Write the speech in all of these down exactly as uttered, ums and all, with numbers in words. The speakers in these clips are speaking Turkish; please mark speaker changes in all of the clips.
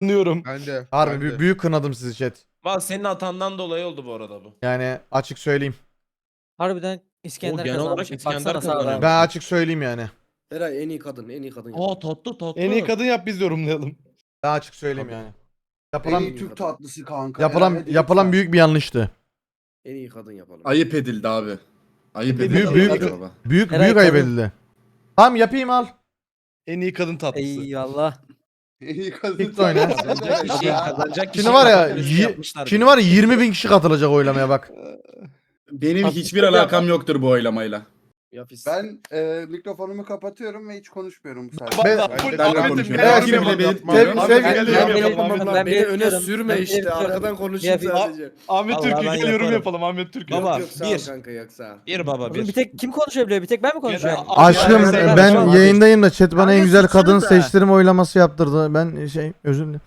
Speaker 1: Kınıyorum.
Speaker 2: Ben de.
Speaker 3: Harbi
Speaker 2: ben
Speaker 3: büyük,
Speaker 2: de.
Speaker 3: büyük kınadım sizi chat.
Speaker 1: Valla senin hatandan dolayı oldu bu arada bu.
Speaker 3: Yani açık söyleyeyim.
Speaker 4: Harbiden İskender
Speaker 1: O genel olarak
Speaker 4: kazanmış.
Speaker 1: İskender
Speaker 4: Baksana sağda.
Speaker 1: kazanıyor.
Speaker 3: Ben açık söyleyeyim yani.
Speaker 5: Eray en iyi kadın, en iyi kadın.
Speaker 1: Aa tatlı tatlı.
Speaker 6: En iyi kadın yap biz yorumlayalım.
Speaker 3: Ben açık söyleyeyim
Speaker 1: Tabii.
Speaker 3: yani.
Speaker 7: En
Speaker 3: Yapılan
Speaker 7: iyi Türk tatlısı kanka.
Speaker 3: yapılan
Speaker 7: Eray,
Speaker 3: yapılan
Speaker 7: lütfen.
Speaker 3: büyük bir yanlıştı.
Speaker 5: En iyi kadın yapalım.
Speaker 8: Ayıp edildi abi. Ayıp
Speaker 3: Büyük-
Speaker 8: edildi.
Speaker 3: büyük-
Speaker 8: baba.
Speaker 3: Büyük
Speaker 4: Eray
Speaker 3: büyük ayıp
Speaker 4: kadın.
Speaker 3: edildi. Tamam yapayım al.
Speaker 6: En iyi kadın tatlısı.
Speaker 4: Eyvallah.
Speaker 7: En iyi kadın
Speaker 3: Bitti oyna.
Speaker 1: Kazanacak kişi, kazanacak kişi
Speaker 3: Şimdi var ya,
Speaker 1: kazanmış
Speaker 3: yi-
Speaker 1: yapmışlar
Speaker 3: Şimdi
Speaker 1: bir.
Speaker 3: var ya yirmi bin kişi katılacak oylamaya bak.
Speaker 8: Benim hiçbir alakam yoktur bu oylamayla.
Speaker 5: Yapis.
Speaker 7: Ben e, mikrofonumu kapatıyorum ve hiç konuşmuyorum bu sefer.
Speaker 3: Ben-
Speaker 8: Ben de
Speaker 6: Ahmet'im,
Speaker 8: konuşuyorum.
Speaker 6: gel
Speaker 3: Evet,
Speaker 8: Bile
Speaker 6: yorum
Speaker 8: bile
Speaker 6: yap.
Speaker 8: belirtmiyorum.
Speaker 3: Sev-
Speaker 6: Ahmet'im,
Speaker 3: sev-
Speaker 6: gel
Speaker 3: Ben-
Speaker 6: yorum
Speaker 4: Ben-
Speaker 6: yapalım. Ahmet.
Speaker 4: Ben-
Speaker 5: Lan beni öne
Speaker 4: belirtiyorum.
Speaker 5: sürme
Speaker 4: Ben
Speaker 5: işte.
Speaker 4: belirtiyorum.
Speaker 5: Arkadan konuşayım
Speaker 4: Yapis.
Speaker 5: sadece.
Speaker 6: Ahmet
Speaker 1: Vallahi
Speaker 6: Türkiye
Speaker 1: ben
Speaker 6: gel yorum
Speaker 1: yaparım.
Speaker 6: yapalım Ahmet Türkiye.
Speaker 1: Baba,
Speaker 5: Yok sağ ol
Speaker 1: bir.
Speaker 5: kanka yok sağ ol.
Speaker 1: Bir baba
Speaker 4: Oğlum
Speaker 1: bir.
Speaker 4: bir tek kim konuşabiliyor? Bir tek ben mi konuşuyorum?
Speaker 6: Ya,
Speaker 3: Aşkım
Speaker 6: Ya,
Speaker 3: ben
Speaker 6: ya,
Speaker 3: yayındayım da chat bana en
Speaker 4: Abi,
Speaker 3: güzel kadın
Speaker 4: suçsana.
Speaker 3: seçtirme oylaması yaptırdı. Ben şey özür dilerim.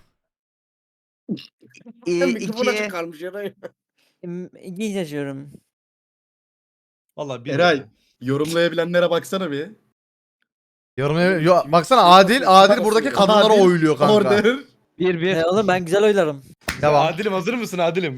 Speaker 5: Sen mikrofon açık kalmış ya.
Speaker 4: İyi yazıyorum.
Speaker 6: Valla bir.
Speaker 8: Eray yorumlayabilenlere baksana bir.
Speaker 3: Yorum yo, baksana Adil Adil buradaki kadınlara
Speaker 8: Adil,
Speaker 3: oyluyor kanka.
Speaker 8: Order.
Speaker 1: Bir bir.
Speaker 4: E oğlum ben güzel oylarım.
Speaker 3: Devam.
Speaker 6: Adilim hazır mısın Adilim?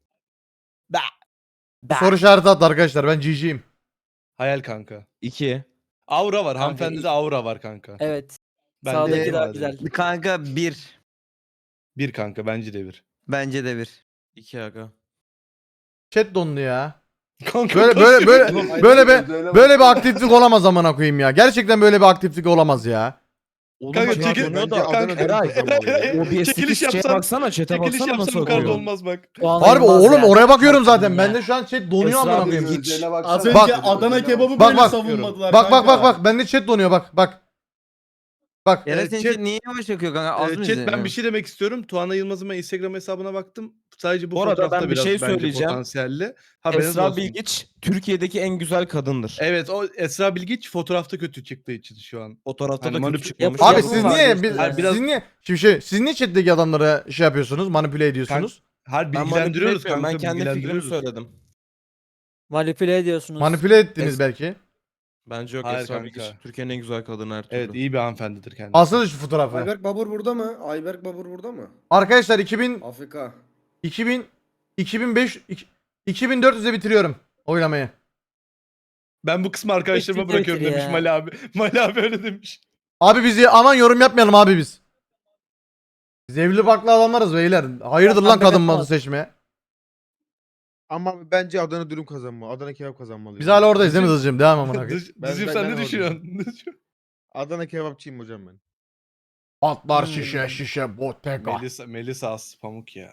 Speaker 3: Soru işareti attı arkadaşlar. Ben G G'yim.
Speaker 6: Hayal kanka.
Speaker 1: İki.
Speaker 6: Aura var. Hanımefendide aura var kanka.
Speaker 4: Evet.
Speaker 6: Ben
Speaker 4: Sağdaki
Speaker 6: de-
Speaker 4: daha
Speaker 6: Adil.
Speaker 4: güzel.
Speaker 9: Kanka bir.
Speaker 6: Bir kanka bence de bir.
Speaker 9: Bence de bir.
Speaker 1: İki aga.
Speaker 3: Chat dondu ya.
Speaker 6: Kanka
Speaker 3: Böyle böyle böyle
Speaker 7: Ay,
Speaker 3: böyle
Speaker 7: öyle
Speaker 3: bir
Speaker 7: bak.
Speaker 3: böyle bir aktiflik olamaz amına koyayım ya. Gerçekten böyle bir aktiflik olamaz ya.
Speaker 1: Oğlum
Speaker 6: Kanka,
Speaker 1: bak,
Speaker 6: çekil-
Speaker 1: donuyor
Speaker 2: Bence
Speaker 1: da-
Speaker 2: Adana
Speaker 6: kanka,
Speaker 2: dürüm
Speaker 6: Eray,
Speaker 2: kazanmalı ya.
Speaker 6: Eray,
Speaker 1: O bir
Speaker 6: çekiliş
Speaker 1: şeye
Speaker 6: yapsam-
Speaker 1: baksana chat'e
Speaker 6: Çekiliş
Speaker 1: baksana nasıl
Speaker 6: yapsam karda
Speaker 1: okuyor.
Speaker 6: olmaz bak.
Speaker 4: O an
Speaker 3: Harbi
Speaker 4: olmaz
Speaker 3: oğlum
Speaker 4: ya.
Speaker 3: oraya bakıyorum zaten.
Speaker 4: Ya.
Speaker 3: Bende şu an chat donuyor
Speaker 1: Esra
Speaker 3: amına
Speaker 1: abi,
Speaker 3: koyayım.
Speaker 1: hiç-
Speaker 7: Gözlerine baksana.
Speaker 8: Az önce
Speaker 3: Bak.
Speaker 8: Adana kebabı
Speaker 3: Bak,
Speaker 8: böyle
Speaker 3: bak.
Speaker 8: savunmadılar
Speaker 3: Bak bak bak
Speaker 8: kanka.
Speaker 3: bak bende chat donuyor bak bak. Bak.
Speaker 9: Yara
Speaker 6: Evet,
Speaker 9: senin
Speaker 6: chat-
Speaker 9: için niye yavaş akıyor kanka? Az
Speaker 6: Ee,
Speaker 9: mı
Speaker 6: chat ben
Speaker 9: izleniyor?
Speaker 6: bir şey demek istiyorum. Tuana Yılmaz'ın ben Instagram hesabına baktım. Sadece bu,
Speaker 1: Bu arada
Speaker 6: fotoğrafta
Speaker 1: ben bir
Speaker 6: biraz
Speaker 1: şey
Speaker 6: bence
Speaker 1: söyleyeceğim.
Speaker 6: potansiyelli. Haberiniz
Speaker 1: Esra
Speaker 6: olsun.
Speaker 1: Bilgiç Türkiye'deki en güzel kadındır.
Speaker 6: Evet o Esra Bilgiç fotoğrafta kötü çıktığı için şu an.
Speaker 1: Fotoğrafta
Speaker 6: Hani
Speaker 1: da
Speaker 6: manip-
Speaker 1: kötü çıkmamış.
Speaker 3: Abi
Speaker 4: Yapı
Speaker 3: siz
Speaker 4: var
Speaker 3: niye
Speaker 4: diyorsun
Speaker 3: biz,
Speaker 4: yani.
Speaker 6: biraz-
Speaker 3: siz niye şimdi şey siz niye chat'teki adamlara şey yapıyorsunuz? Manipüle ediyorsunuz?
Speaker 6: Her
Speaker 1: Ben manipüle
Speaker 6: bilgilendiriyoruz
Speaker 1: etmiyorum,
Speaker 6: kanka.
Speaker 1: Ben kendi fikrimi
Speaker 6: bilgilendiriyoruz.
Speaker 1: söyledim.
Speaker 4: Manipüle ediyorsunuz.
Speaker 3: Manipüle ettiniz
Speaker 1: Es-
Speaker 3: belki.
Speaker 1: Bence yok
Speaker 6: Hayır
Speaker 1: Esra
Speaker 6: kanka.
Speaker 1: Bilgiç Türkiye'nin en güzel kadını her türlü.
Speaker 6: Evet iyi bir hanımefendidir kendisi.
Speaker 3: Alsana şu fotoğrafı.
Speaker 5: Ayberk Babur burada mı? Ayberk Babur burada mı?
Speaker 3: Arkadaşlar iki bin
Speaker 5: Afrika.
Speaker 3: iki bin iki bin beş iki- iki bin dört yüze bitiriyorum oylamayı.
Speaker 6: Ben bu kısmı arkadaşlarıma
Speaker 4: Bitir,
Speaker 6: bırakıyorum
Speaker 4: bitir
Speaker 6: demiş
Speaker 4: ya.
Speaker 6: Mali abi. Mali abi öyle demiş.
Speaker 3: Abi bizi aman yorum yapmayalım abi biz. Biz evli barklı adamlarız beyler. Hayırdır lan
Speaker 4: Adam
Speaker 3: kadın
Speaker 4: demek
Speaker 3: malı
Speaker 4: var.
Speaker 3: seçmeye.
Speaker 2: Ama bence Adana dürüm kazanmalı. Adana kebap kazanmalı.
Speaker 3: Biz
Speaker 2: yani.
Speaker 3: hala oradayız değil mi Dızcığım? Devam amına koyayım.
Speaker 6: Dız-
Speaker 2: Ben-
Speaker 6: Dızcım
Speaker 2: ben-
Speaker 6: sen
Speaker 2: ben
Speaker 6: ne
Speaker 2: oradayım.
Speaker 6: düşünüyorsun?
Speaker 2: Adana kebapçıyım hocam ben.
Speaker 3: Atlar
Speaker 4: Hmm.
Speaker 3: şişe şişe bottega.
Speaker 6: Melisa, Melisa as pamuk ya.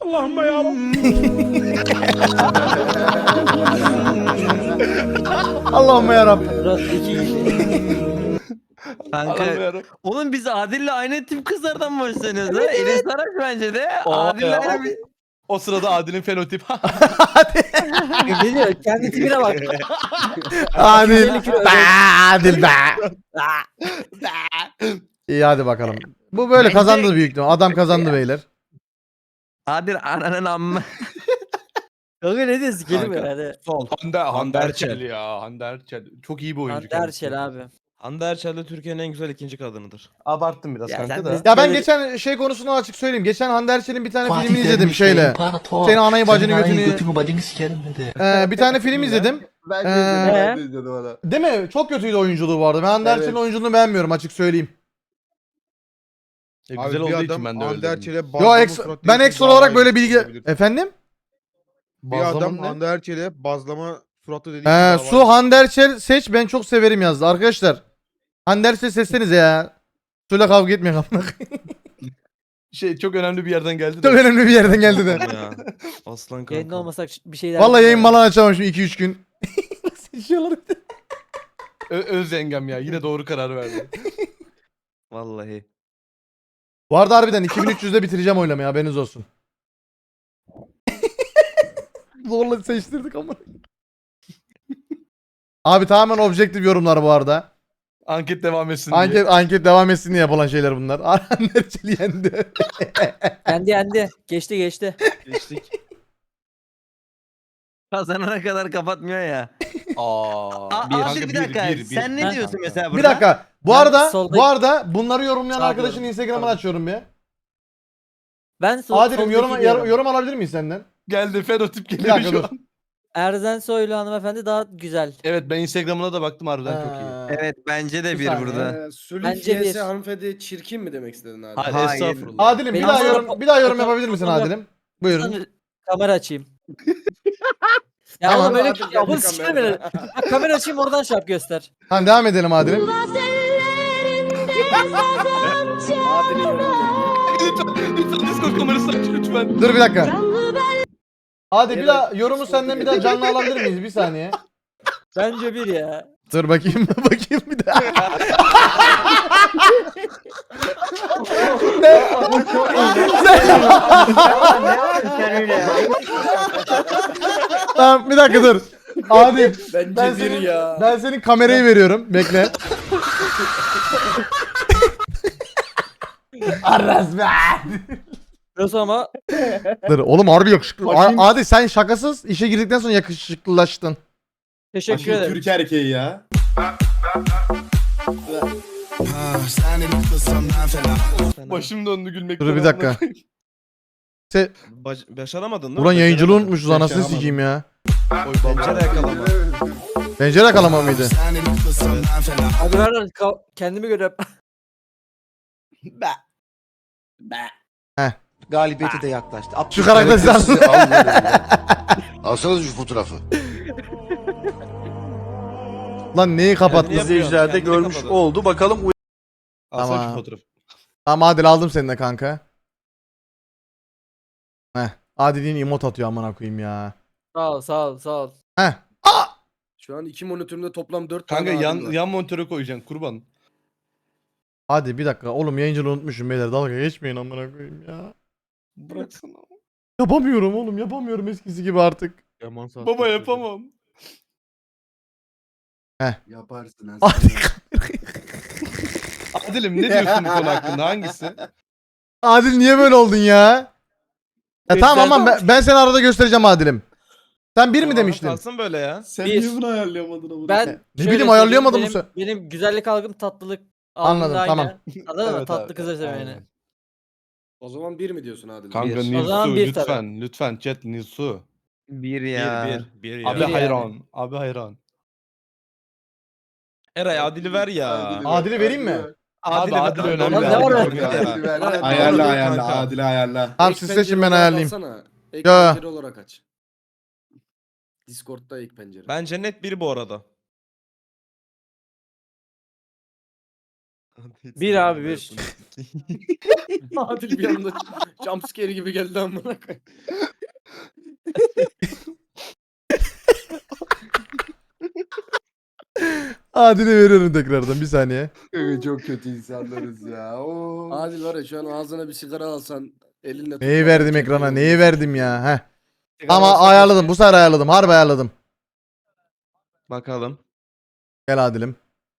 Speaker 3: Allah'ım yarabbim.
Speaker 4: Burası iki
Speaker 9: Kanka.
Speaker 6: Alamıyorum.
Speaker 9: Oğlum biz Adil'le aynı tip kızlardan mı hoşlanıyoruz ha? Enes Saraç bence de.
Speaker 6: Aa,
Speaker 9: Adil'le
Speaker 6: ya.
Speaker 9: aynı bir...
Speaker 6: O sırada Adil'in fenotip.
Speaker 4: Ne diyor? Kendi tipine bak.
Speaker 3: Adil.
Speaker 4: elli kilo
Speaker 3: Be, Adil be. İyi hadi bakalım. Bu böyle
Speaker 9: Bence-
Speaker 3: kazandı büyük ihtimal. Adam kazandı beyler.
Speaker 9: Adil ananın amma.
Speaker 4: Kanka ne diyorsun? Kelime
Speaker 6: Kanka.
Speaker 4: yani.
Speaker 1: Sol.
Speaker 6: Hande, Hande
Speaker 1: Erçel.
Speaker 6: Erçel ya. Hande Erçel. Çok iyi bir oyuncu.
Speaker 4: Hande
Speaker 6: kendisi.
Speaker 4: Erçel abi.
Speaker 1: Hande Erçel de Türkiye'nin en güzel ikinci kadınıdır.
Speaker 6: Abarttım biraz
Speaker 4: Ya
Speaker 6: kanka
Speaker 4: sen
Speaker 6: da.
Speaker 4: biz-
Speaker 3: Ya ben
Speaker 4: Böyle-
Speaker 3: geçen şey konusunu açık söyleyeyim. Geçen Hande Erçel'in bir tane filmini izledim şeyle. Senin anayı bacını götünü. Ee, bir tane film izledim.
Speaker 7: Ben de
Speaker 3: Ee,
Speaker 7: izledim, ben de izledim ona.
Speaker 3: Değil mi? Çok kötüydü oyunculuğu bu arada. Ben Hande
Speaker 7: Evet.
Speaker 3: Erçel'in oyunculuğunu beğenmiyorum açık söyleyeyim.
Speaker 6: E,
Speaker 2: Abi
Speaker 6: güzel
Speaker 2: bir
Speaker 6: olduğu
Speaker 2: adam
Speaker 6: için ben de öyle
Speaker 2: Hande
Speaker 6: dedim.
Speaker 2: Erçel'e
Speaker 3: Yo
Speaker 2: bazlama
Speaker 3: eks
Speaker 2: surat
Speaker 3: ben
Speaker 2: diye
Speaker 3: ekstra
Speaker 2: bir
Speaker 3: olarak
Speaker 2: dava
Speaker 3: böyle bilgi...
Speaker 2: açabilir.
Speaker 3: Efendim?
Speaker 2: Bir adam
Speaker 6: Bazlama ne?
Speaker 2: Hande Erçel'e bazlama suratı dediği
Speaker 3: Ee,
Speaker 2: dava
Speaker 3: Su Hande Erçel seç ben çok severim yazdı. Arkadaşlar Hande Erçel seçsenize ya. Suyla kavga etmeyin amına koyayım.
Speaker 6: Şey çok önemli bir yerden geldi
Speaker 3: Çok
Speaker 6: de.
Speaker 3: önemli bir yerden geldi de.
Speaker 1: ya. Aslan kanka.
Speaker 4: Yayında olmasak bir şeyler.
Speaker 3: Vallahi yayın falan açamam şimdi iki üç gün. Seçiyorlar.
Speaker 6: Ö- öz yengem ya. Yine doğru karar verdi.
Speaker 1: Vallahi.
Speaker 3: Bu arada harbiden iki bin üç yüzde bitireceğim oylamayı haberiniz olsun. Zorla seçtirdik ama. Abi tamamen objektif yorumlar bu arada.
Speaker 6: Anket devam etsin diye.
Speaker 3: Anket anket devam etsin diye yapılan şeyler bunlar. Hande Erçel yendi.
Speaker 4: Yendi yendi. Geçti geçti.
Speaker 6: Geçtik.
Speaker 9: Kazanana kadar kapatmıyor ya.
Speaker 6: Aa.
Speaker 9: A-
Speaker 6: bir,
Speaker 9: Adil
Speaker 6: kanka,
Speaker 9: bir dakika.
Speaker 6: bir, bir,
Speaker 9: Sen
Speaker 6: bir
Speaker 9: ne diyorsun
Speaker 6: kanka.
Speaker 9: mesela burada?
Speaker 3: Bir dakika. Bu
Speaker 4: Ben
Speaker 3: arada
Speaker 4: soldaki-
Speaker 3: bu arada bunları yorumlayan
Speaker 4: Sağ
Speaker 3: arkadaşın
Speaker 4: diyorum.
Speaker 3: Instagram'ını
Speaker 4: Pardon.
Speaker 3: açıyorum bir.
Speaker 4: Ben sol,
Speaker 3: Adil'im
Speaker 4: soldaki
Speaker 3: yorum,
Speaker 4: diyorum.
Speaker 3: yor- yorum alabilir miyiz senden?
Speaker 6: Geldi fenotip
Speaker 3: Bir
Speaker 6: geliyor
Speaker 3: dakika
Speaker 6: şu
Speaker 3: dur.
Speaker 6: an.
Speaker 4: Erzen Soylu hanımefendi daha güzel.
Speaker 6: Evet ben Instagram'ına da baktım harbiden çok iyi.
Speaker 3: Ee,
Speaker 9: Evet bence de
Speaker 3: Bir
Speaker 9: bir
Speaker 3: saniye.
Speaker 9: burada.
Speaker 5: Ee, Sülük
Speaker 4: Bence
Speaker 5: Bence
Speaker 4: bir.
Speaker 5: hanımefendi çirkin mi demek istedin abi?
Speaker 6: Hayır,
Speaker 9: Hayır.
Speaker 6: estağfurullah.
Speaker 3: Adil'im bir
Speaker 4: Benim
Speaker 3: daha
Speaker 4: sana
Speaker 3: yorum
Speaker 4: fo-
Speaker 3: bir daha yorum
Speaker 4: fotoğraf-
Speaker 3: yapabilir misin
Speaker 4: fotoğraf-
Speaker 3: Adil'im? Buyurun.
Speaker 4: Sana kamera açayım. ya
Speaker 3: Tamam.
Speaker 4: oğlum böyle
Speaker 5: Adil
Speaker 4: ya
Speaker 5: geldi
Speaker 4: bunu sikerim
Speaker 5: kamera.
Speaker 4: öyle. Bak kamera açayım oradan şap göster.
Speaker 3: Tamam devam edelim Adil'im.
Speaker 5: Adil'in yorumu.
Speaker 6: Lütfen, lütfen Discord kamerası aç lütfen.
Speaker 3: Dur bir dakika. Hadi bir
Speaker 5: Evet,
Speaker 3: daha yorumu
Speaker 5: Discord'a
Speaker 3: senden bir daha canlı alabilir miyiz? Bir saniye.
Speaker 4: Bence bir ya.
Speaker 3: Dur bakayım bakayım bir daha. Tamam bir dakika dur. Adil
Speaker 5: Bence
Speaker 3: ben
Speaker 5: bir
Speaker 3: senin,
Speaker 5: ya.
Speaker 3: ben senin kamerayı veriyorum. Bekle. Arras be.
Speaker 4: Nasıl ama?
Speaker 3: Dur oğlum harbi yakışıklı.
Speaker 8: Bakayım.
Speaker 3: A- Adil sen şakasız işe girdikten sonra yakışıklılaştın.
Speaker 4: Teşekkür
Speaker 8: Aşırı
Speaker 4: ederim.
Speaker 8: Türk erkeği ya.
Speaker 6: Başım döndü gülmekten.
Speaker 3: Dur bir dakika. Se
Speaker 1: Baş- başaramadın değil mi?
Speaker 3: Ulan yayıncılığı
Speaker 1: Beceremadın.
Speaker 3: unutmuşuz anasını
Speaker 8: Başaramadım.
Speaker 3: sikeyim ya.
Speaker 6: Oy baba.
Speaker 1: Pencere yakalama.
Speaker 3: Pencere kalama mıydı?
Speaker 4: Abi ver lan ka- kendimi görüyorum.
Speaker 10: Galibiyete de yaklaştı.
Speaker 3: Şu karakter sen.
Speaker 10: Alsanız şu fotoğrafı.
Speaker 3: Lan neyi kapattın?
Speaker 1: Kendini
Speaker 10: İzleyiciler de
Speaker 1: Kendini
Speaker 10: görmüş
Speaker 1: kapadı.
Speaker 10: oldu. Bakalım
Speaker 6: Alsana
Speaker 3: Tamam.
Speaker 6: şu fotoğrafı.
Speaker 3: Tamam Adil aldım seni de kanka. Heh. Adil'in emot atıyor amına koyayım ya.
Speaker 4: Sağ ol sağ ol sağ ol.
Speaker 3: Heh.
Speaker 5: Şu an iki monitörümde toplam dört
Speaker 6: Kanka
Speaker 5: tane
Speaker 6: yan,
Speaker 5: Adil var.
Speaker 6: yan monitöre koyacaksın kurban.
Speaker 3: Hadi bir dakika oğlum yayıncılığı unutmuşum beyler dalga geçmeyin amına koyayım ya.
Speaker 6: Bıraksana.
Speaker 3: Yapamıyorum oğlum yapamıyorum eskisi gibi artık.
Speaker 1: Yaman sağ-
Speaker 6: Baba yapamam.
Speaker 7: Yaparsın ha.
Speaker 3: Adil,
Speaker 6: Adil'im ne diyorsun bu konu hakkında hangisi?
Speaker 3: Adil niye böyle oldun ya? Ya tamam ama ben, ben seni arada göstereceğim Adil'im. Sen bir mi
Speaker 1: Tamam,
Speaker 3: demiştin?
Speaker 1: Kalsın böyle ya.
Speaker 8: Sen
Speaker 4: Bir.
Speaker 8: niye bunu ayarlayamadın ama?
Speaker 4: Ben
Speaker 3: Ne
Speaker 4: şöyle
Speaker 3: bileyim, ayarlayamadım
Speaker 4: söyleyeyim,
Speaker 3: bu
Speaker 4: benim, benim güzellik algım tatlılık algım
Speaker 3: Anladım,
Speaker 4: da aynı.
Speaker 3: tamam.
Speaker 4: Anladın mı?
Speaker 6: Evet
Speaker 4: Tatlı
Speaker 6: abi,
Speaker 4: kızı seveni.
Speaker 6: aynen.
Speaker 5: O zaman bir mi diyorsun Adil?
Speaker 6: Kanka
Speaker 1: Bir.
Speaker 4: O zaman
Speaker 6: Nilsu
Speaker 4: bir
Speaker 6: lütfen
Speaker 4: tabii.
Speaker 6: lütfen chat Nilsu.
Speaker 9: Bir
Speaker 1: Bir
Speaker 9: ya.
Speaker 1: bir. Bir ya.
Speaker 6: Abi
Speaker 4: Bir yani.
Speaker 6: hayran. Abi hayran.
Speaker 1: Eray Adil'i ver ya.
Speaker 3: Adil'i vereyim mi?
Speaker 6: Abi Adil önemli.
Speaker 4: Lan ne var
Speaker 6: Adil
Speaker 4: orada?
Speaker 6: çok önemli.
Speaker 1: Ya.
Speaker 8: Ayarla
Speaker 1: Doğru,
Speaker 8: ayarla
Speaker 1: kanka.
Speaker 8: Adil'i ayarla.
Speaker 3: Tamam
Speaker 5: Ek
Speaker 3: siz
Speaker 5: pencere
Speaker 3: seçin ben
Speaker 5: olarak
Speaker 3: ayarlayayım.
Speaker 5: alsana. Ek
Speaker 3: Ya.
Speaker 5: pencere olarak aç. Discord'da ek pencere.
Speaker 1: Bence net bir bu arada.
Speaker 4: Bir abi, bir.
Speaker 5: Adil bir anda jumpscare gibi geldi amına koyayım.
Speaker 3: Adil'e veriyorum tekrardan bir saniye.
Speaker 7: Çok kötü insanlarız ya. Oo.
Speaker 5: Adil var ya şu an ağzına bir sigara alsan elinle
Speaker 3: Neyi
Speaker 5: tutmadan
Speaker 3: verdim
Speaker 5: çekmeyi
Speaker 3: ekrana? Neyi
Speaker 5: unutmuşsun.
Speaker 3: verdim ya? Heh. Ama ayarladım. Bu sefer ayarladım. Harbi ayarladım.
Speaker 1: Bakalım.
Speaker 3: Gel Adil'im.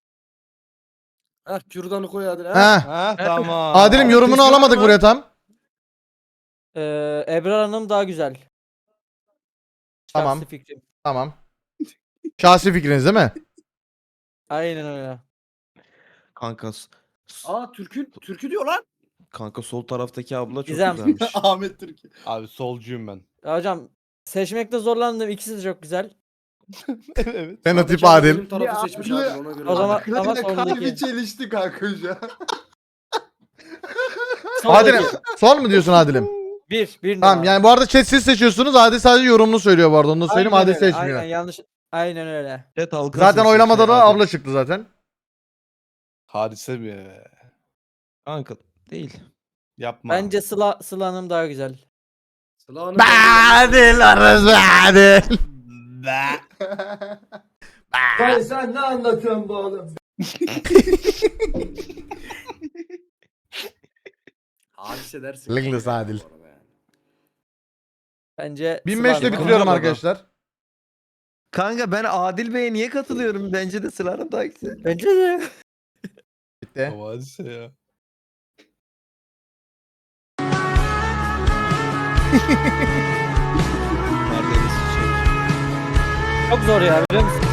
Speaker 5: Ha kürdanı koy Adil. Ha.
Speaker 3: Heh.
Speaker 6: Ha tamam.
Speaker 3: Adil'im yorumunu
Speaker 1: Alkış var
Speaker 3: alamadık
Speaker 1: mı?
Speaker 3: buraya tam.
Speaker 4: Ee, Ebrar Hanım daha güzel.
Speaker 3: Tamam.
Speaker 4: Şahsi fikrim.
Speaker 3: Tamam. Şahsi fikriniz değil mi?
Speaker 4: Aynen öyle.
Speaker 1: Kanka s- s-
Speaker 5: Aa türkü türkü diyor lan.
Speaker 1: kanka sol taraftaki abla çok
Speaker 4: Gizem.
Speaker 1: güzelmiş.
Speaker 8: Ahmet Türkiye.
Speaker 6: Abi solcuyum ben.
Speaker 4: Ya hocam seçmekte zorlandım. İkisi de çok güzel.
Speaker 6: Evet.
Speaker 3: Fenotip
Speaker 5: Sağdaki
Speaker 3: Adil.
Speaker 5: Benim tarafı
Speaker 7: Ya,
Speaker 5: seçmiş
Speaker 7: Adil-
Speaker 5: Adil ona göre.
Speaker 4: O zaman-
Speaker 7: Akıllı
Speaker 4: ama
Speaker 7: ile
Speaker 4: sondaki.
Speaker 7: kalbi çelişti kanka şu an.
Speaker 3: Adil'im
Speaker 4: Soldaki.
Speaker 3: sol mu diyorsun Adil'im?
Speaker 4: Bir. Bir
Speaker 3: Tamam
Speaker 4: numara.
Speaker 3: yani bu arada chat siz seçiyorsunuz. Adil sadece yorumunu söylüyor bu arada. Onu da söyleyeyim.
Speaker 4: Aynen
Speaker 3: Adil
Speaker 4: öyle,
Speaker 3: seçmiyor.
Speaker 4: Aynen yanlış. Aynen öyle.
Speaker 1: Chat halkası
Speaker 3: Zaten
Speaker 1: seçmiş
Speaker 3: oylamada da
Speaker 1: Adil.
Speaker 3: abla çıktı zaten.
Speaker 6: Hadise mi?
Speaker 1: Kanka değil.
Speaker 6: Yapma.
Speaker 4: Bence Sıla, Sıla Hanım daha güzel.
Speaker 5: Sıla Hanım-
Speaker 3: Adil arası Adil.
Speaker 10: Vay sen ne anlatıyorsun bu oğlum?
Speaker 5: Hadise dersin.
Speaker 3: Lınglıs Adil.
Speaker 5: Bu arada yani.
Speaker 4: Bence
Speaker 3: bin
Speaker 4: Sıla
Speaker 3: beşte
Speaker 4: Hanım.
Speaker 3: bitiriyorum
Speaker 1: Bana-
Speaker 3: arkadaşlar.
Speaker 9: Kanka ben Adil Bey'e niye katılıyorum? Bence de Sıla'nın daha güzel.
Speaker 4: Bence de.
Speaker 3: Bitti.
Speaker 6: Ama hadise ya.
Speaker 1: Neredeniz çiçek.
Speaker 4: Çok zor ya biliyor musun?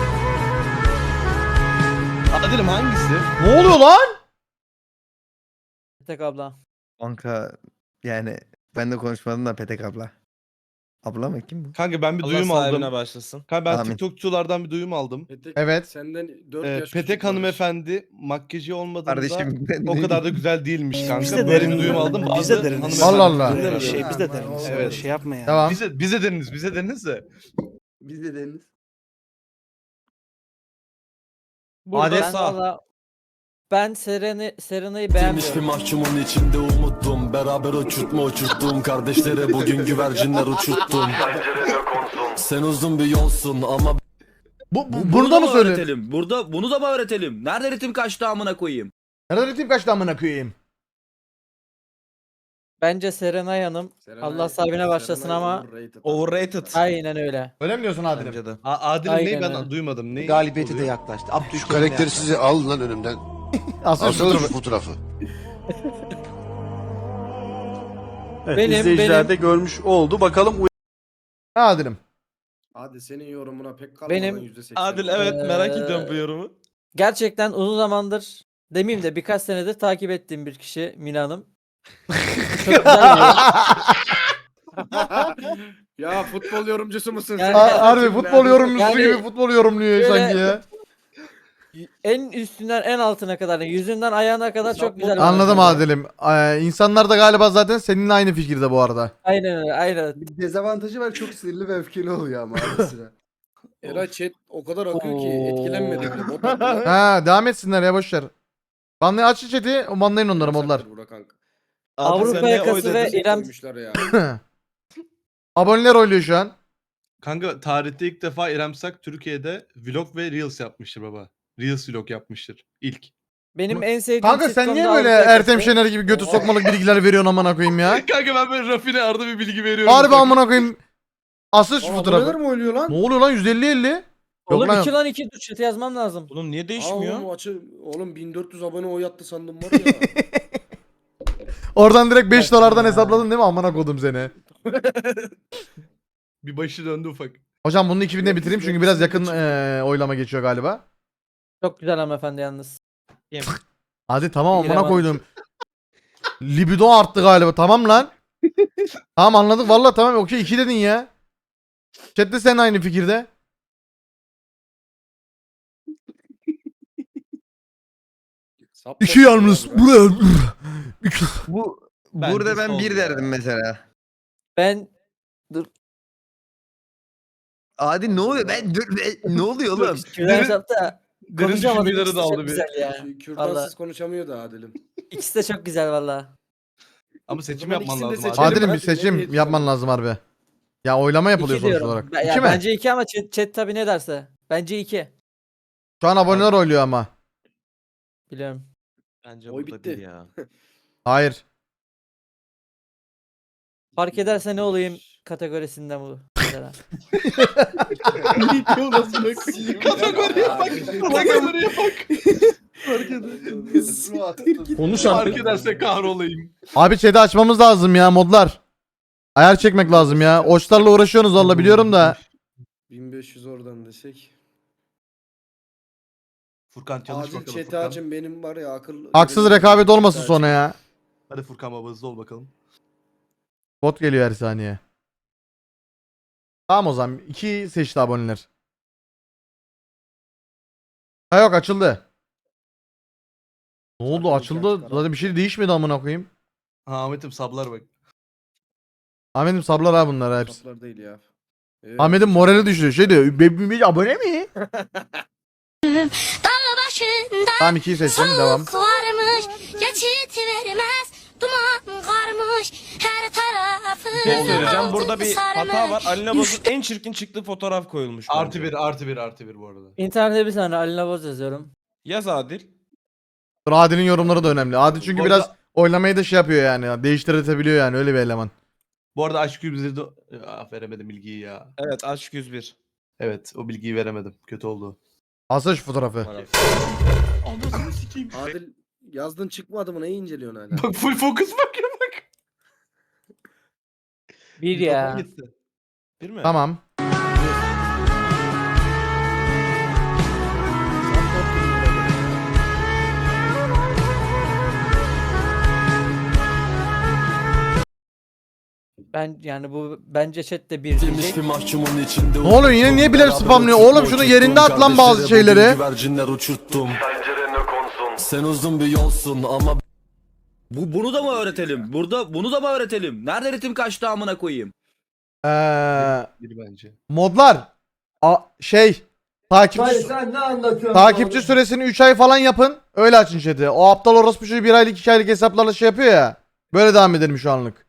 Speaker 6: Adil'im hangisi?
Speaker 3: Ne oluyor lan?
Speaker 4: Tek abla.
Speaker 9: Kanka yani
Speaker 10: Ben de konuşmadım da Petek abla. Abla mı kim bu?
Speaker 6: Kanka ben bir
Speaker 1: Allah
Speaker 6: duyum
Speaker 1: sahibine
Speaker 6: aldım.
Speaker 1: başlasın.
Speaker 6: Kanka ben
Speaker 10: Amin.
Speaker 6: TikTokçulardan bir duyum aldım.
Speaker 5: Petek,
Speaker 3: Evet.
Speaker 5: Senden dört
Speaker 6: Ee,
Speaker 5: yaş
Speaker 6: Petek
Speaker 5: küçük
Speaker 6: hanımefendi makyajı olmadığında
Speaker 10: Kardeşim ben
Speaker 6: o
Speaker 10: ne
Speaker 6: kadar da
Speaker 10: diyeyim?
Speaker 6: güzel değilmiş kanka.
Speaker 11: Biz de
Speaker 6: Böyle
Speaker 11: deriniz.
Speaker 6: bir duyum aldım.
Speaker 11: Biz
Speaker 6: Bazı
Speaker 11: de deriniz.
Speaker 6: hanımefendi-
Speaker 3: Allah Allah.
Speaker 11: Öyle bir şey biz de
Speaker 7: Aman,
Speaker 11: deriz.
Speaker 6: evet.
Speaker 11: Şey yapma ya.
Speaker 3: Tamam.
Speaker 6: Bize, bize dediniz, bize dediniz de.
Speaker 7: Biz de Deniz.
Speaker 4: Burada
Speaker 1: Adet
Speaker 4: ben,
Speaker 1: sağ.
Speaker 4: valla- ben Serena, Serena'yı beğenmiyorum.
Speaker 10: mahkumun içinde umuttum. Beraber uçurtma uçurttum. Kardeşlere bugün güvercinler uçurttum. Sen uzun bir yolsun ama
Speaker 3: Bu, bu bunu da mı söylüyorsun?
Speaker 9: Burada bunu da mı öğretelim? Nerede ritim kaçtı amına koyayım?
Speaker 3: Nerede ritim kaçtı amına koyayım?
Speaker 4: Bence Serenay Hanım
Speaker 5: Serenay-
Speaker 4: Allah sahibine başlasın
Speaker 5: Serenay
Speaker 4: ama
Speaker 5: overrated.
Speaker 1: Overrated.
Speaker 4: aynen öyle.
Speaker 3: Öyle mi diyorsun Adil'im?
Speaker 1: Bence de.
Speaker 6: A- Adil'in
Speaker 4: Aynen
Speaker 6: neyi ben
Speaker 4: öyle.
Speaker 6: duymadım. Neyi
Speaker 10: galibiyeti de
Speaker 6: oluyor?
Speaker 10: yaklaştı. Abdülkerim
Speaker 12: Şu karakteri size al lan önümden.
Speaker 3: Aslında şu
Speaker 12: Alsana şu
Speaker 3: fotoğrafı.
Speaker 12: fotoğrafı.
Speaker 4: Benim-
Speaker 11: izleyiciler de
Speaker 4: benim-
Speaker 11: görmüş oldu. Bakalım
Speaker 3: Ha Adil'im.
Speaker 5: Hadi senin yorumuna pek kalmadan
Speaker 4: Benim-
Speaker 5: yüzde seksen.
Speaker 1: Adil evet merak
Speaker 4: Ee,
Speaker 1: ediyorum bu yorumu.
Speaker 4: Gerçekten uzun zamandır demeyeyim de birkaç senedir takip ettiğim bir kişi Mina Hanım. Çok güzel bir
Speaker 5: Ya futbol yorumcusu musun
Speaker 4: Yani-
Speaker 5: sen?
Speaker 3: Ha- Harbi futbol yorumcusu
Speaker 4: Yani-
Speaker 3: gibi futbol yorumluyor
Speaker 4: Şöyle-
Speaker 3: sanki ya.
Speaker 4: en üstünden en altına kadar, yani yüzünden ayağına kadar çok güzel. bir
Speaker 3: Anladım
Speaker 4: oyuncu.
Speaker 3: Adil'im. Ee, insanlar da galiba zaten seninle aynı fikirde bu arada.
Speaker 4: Aynen öyle, aynen.
Speaker 7: Bir dezavantajı var, çok sinirli ve öfkeli oluyor ama ara sıra.
Speaker 5: Eray chat o kadar akıyor ki
Speaker 4: Oo.
Speaker 5: etkilenmedi bile. Bot attılar.
Speaker 3: Ha devam etsinler ya boşver. Banlayın aç chat'i, banlayın onları modlar.
Speaker 5: Saktır Burak kanka.
Speaker 1: Adil,
Speaker 4: Avrupa
Speaker 1: sen neye oy
Speaker 4: yakası ve
Speaker 1: dedin?
Speaker 4: İrem
Speaker 5: Koymuşlar ya.
Speaker 3: Aboneler oyluyor şu an.
Speaker 6: Kanka tarihte ilk defa İrem Sak Türkiye'de vlog ve reels yapmıştır baba. Reels vlog yapmıştır. İlk.
Speaker 4: benim en sevdiğim
Speaker 3: Kanka sen
Speaker 4: sitcom
Speaker 3: niye
Speaker 4: da
Speaker 3: böyle
Speaker 4: Avrupa
Speaker 3: Ertem
Speaker 4: Yakası.
Speaker 3: Şener gibi götü sokmalık bilgiler veriyorsun amına koyayım ya?
Speaker 6: Kanka ben böyle rafine arada bir bilgi veriyorum.
Speaker 3: Harbi amına koyayım. Asıl şu
Speaker 5: Aa,
Speaker 3: fotoğrafı.
Speaker 5: aboneler mi oynuyor lan?
Speaker 3: Ne oluyor lan yüz elli elli? Yok
Speaker 4: Oğlum
Speaker 3: lan.
Speaker 4: iki lan iki dur chat'e yazmam lazım.
Speaker 1: Oğlum niye
Speaker 5: Aa,
Speaker 1: değişmiyor?
Speaker 5: oğlum, açı, oğlum bin dört yüz abone oy attı sandım var ya.
Speaker 3: Oradan direkt beş dolardan hesapladın değil mi amına kodum seni?
Speaker 6: Bir başı döndü ufak.
Speaker 3: Hocam bunun iki binde bitireyim çünkü biraz yakın eee, oylama geçiyor galiba.
Speaker 4: Çok güzel hanımefendi yalnız.
Speaker 3: Hadi tamam
Speaker 4: İrem
Speaker 3: amına
Speaker 4: Hanım.
Speaker 3: koydum. Libido arttı galiba tamam lan. Tamam anladık valla tamam okey iki dedin ya. Chat'te sen aynı fikirde.
Speaker 5: Sap
Speaker 3: İki
Speaker 5: sap
Speaker 3: yalnız
Speaker 5: ya,
Speaker 3: buraya.
Speaker 10: bu
Speaker 1: Bence
Speaker 10: burada ben
Speaker 1: sol
Speaker 10: bir
Speaker 1: ya.
Speaker 10: derdim mesela.
Speaker 4: Ben
Speaker 10: Adil ne oluyor? Ben dur ben- ne oluyor oğlum?
Speaker 4: Küren
Speaker 6: Derin-
Speaker 4: hesapta
Speaker 6: Derin
Speaker 4: konuşamadım.
Speaker 6: düşünceleri
Speaker 4: İkisi
Speaker 6: de
Speaker 4: de
Speaker 6: aldı
Speaker 4: çok
Speaker 6: bir.
Speaker 4: güzel ya.
Speaker 5: Kü- Kürdansız
Speaker 4: Vallahi.
Speaker 5: konuşamıyordu Adil'im.
Speaker 4: İkisi de çok güzel valla.
Speaker 6: Ama seçim
Speaker 5: zaman
Speaker 6: yapman
Speaker 5: ikisini de
Speaker 6: lazım abi.
Speaker 5: seçelim.
Speaker 3: Adil'im bir
Speaker 5: Hadi, nereye
Speaker 3: seçim
Speaker 5: gidiyorsun?
Speaker 3: yapman lazım harbi. Ya oylama yapılıyor
Speaker 4: İki
Speaker 3: sonuç
Speaker 4: diyorum.
Speaker 3: olarak.
Speaker 4: Ben- ya
Speaker 3: İki mi?
Speaker 4: bence iki ama chat, chat tabi ne derse. Bence iki.
Speaker 3: Şu an aboneler oyluyor ama.
Speaker 4: Biliyorum.
Speaker 1: Bence
Speaker 5: Oy
Speaker 1: burada
Speaker 5: bitti.
Speaker 1: değil ya.
Speaker 3: Hayır.
Speaker 4: Fark ederse ne olayım kategorisinde bu. Mesela.
Speaker 6: Kategoriye bak. Kategoriye bak.
Speaker 11: konuş
Speaker 6: Fark ederse kahrolayım.
Speaker 3: Abi chat'i açmamız lazım ya modlar. Ayar çekmek lazım ya. Oçlarla uğraşıyorsunuz valla biliyorum da.
Speaker 5: bin beş yüz oradan desek.
Speaker 6: Furkan çalış
Speaker 5: Acil
Speaker 6: bakalım
Speaker 5: chat'i
Speaker 6: Furkan.
Speaker 5: açın benim var ya akıl.
Speaker 3: Haksız
Speaker 5: benim-
Speaker 3: rekabet olmasın sonra ya.
Speaker 6: Hadi Furkan baba hızlı ol bakalım.
Speaker 3: Bot geliyor her saniye. Tamam o zaman. iki seçti aboneler. Ha yok açıldı. Ne oldu açıldı. Zaten bir şey değişmedi amına koyayım.
Speaker 6: Ha Ahmet'im sablar bak.
Speaker 3: Ahmet'im sablar ha bunlar hepsi.
Speaker 5: Saplar değil ya. Evet.
Speaker 3: Ahmet'in morali düşüyor. Şey diyor. "Be- be- abone mi? Tamam ikiyi seçtim. Devam.
Speaker 13: varmış, geçit vermez, duman karmış, her tarafı.
Speaker 1: Bir şey söyleyeceğim. Burada bir hata var. Alina Boz'un en çirkin çıktığı fotoğraf koyulmuş.
Speaker 6: Artı
Speaker 1: bence.
Speaker 6: bir artı bir artı bir bu arada.
Speaker 4: İnternette bir tane Alina Boz yazıyorum.
Speaker 1: Yaz Adil.
Speaker 3: Dur, Adil'in yorumları da önemli. Adil çünkü
Speaker 6: Bu
Speaker 3: biraz
Speaker 6: arada-
Speaker 3: oylamayı da şey yapıyor yani. Değiştirebiliyor yani öyle bir eleman.
Speaker 6: Bu arada aşk yüzleri de... Ah, veremedim bilgiyi ya.
Speaker 1: Evet aşk yüz bir.
Speaker 6: Evet o bilgiyi veremedim. Kötü oldu.
Speaker 3: Alsana şu fotoğrafı.
Speaker 6: Anasını sikeyim.
Speaker 5: Adil yazdın çıkmadı mı neyi inceliyorsun hala?
Speaker 6: Bak full focus bak ya bak.
Speaker 4: Bir ya.
Speaker 6: Gitti.
Speaker 1: Değil mi?
Speaker 3: Tamam.
Speaker 4: Ben yani bu bence chatte bir
Speaker 10: Bilmiş
Speaker 4: diyecek.
Speaker 10: bir mahkumun içinde
Speaker 3: Ne oluyor yine niye bilerek spamlıyor? Oğlum şunu yerinde at lan bazı şeyleri.
Speaker 10: Güvercinler uçurttum. Sen uzun bir yolsun ama
Speaker 11: Bu bunu da mı öğretelim? Burada bunu da mı öğretelim? Nerede ritim kaçtı amına koyayım?
Speaker 3: Eee
Speaker 6: Bir bence.
Speaker 3: modlar a, şey takipçi
Speaker 4: sen ne anlatıyorsun?
Speaker 3: takipçi süresini üç ay falan yapın. Öyle açın chat'i. O aptal orospu çocuğu bir aylık iki aylık hesaplarla şey yapıyor ya. Böyle devam edelim şu anlık.